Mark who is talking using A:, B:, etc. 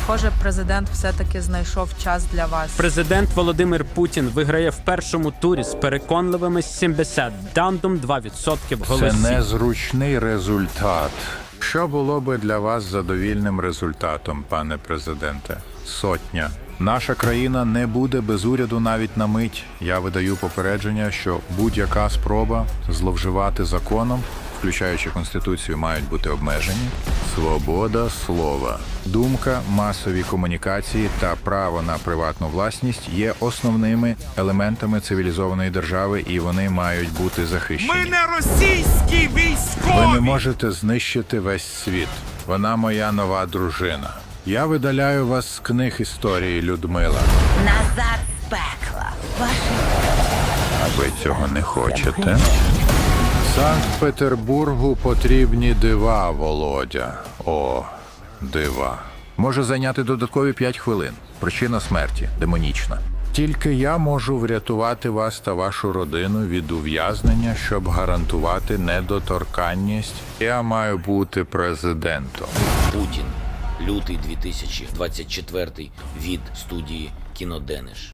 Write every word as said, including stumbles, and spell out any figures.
A: Схоже, президент все-таки знайшов час для вас.
B: Президент Володимир Путін виграє в першому турі з переконливими сімдесят дандум два відсотки
C: Це
B: голосів.
C: незручний результат. Що було би для вас задовільним результатом, пане президенте? Сотня. Наша країна не буде без уряду навіть на мить. Я видаю попередження, що будь-яка спроба зловживати законом, включаючи Конституцію, мають бути обмежені. Свобода слова, думка, масові комунікації та право на приватну власність є основними елементами цивілізованої держави, і вони мають бути захищені.
D: Ми не російські
C: Ви
D: військові!
C: не можете знищити весь світ. Вона моя нова дружина. Я видаляю вас з книг історії, Людмила.
E: Назад з пекла. Ваше
C: А ви цього не хочете? Санкт-Петербургу потрібні дива, Володя. О, дива. Може зайняти додаткові п'ять хвилин. Причина смерті демонічна. Тільки я можу врятувати вас та вашу родину від ув'язнення, щоб гарантувати недоторканність. Я маю бути президентом.
F: Путін. Лютий дві тисячі двадцять четвертий від студії «Кіноденеш».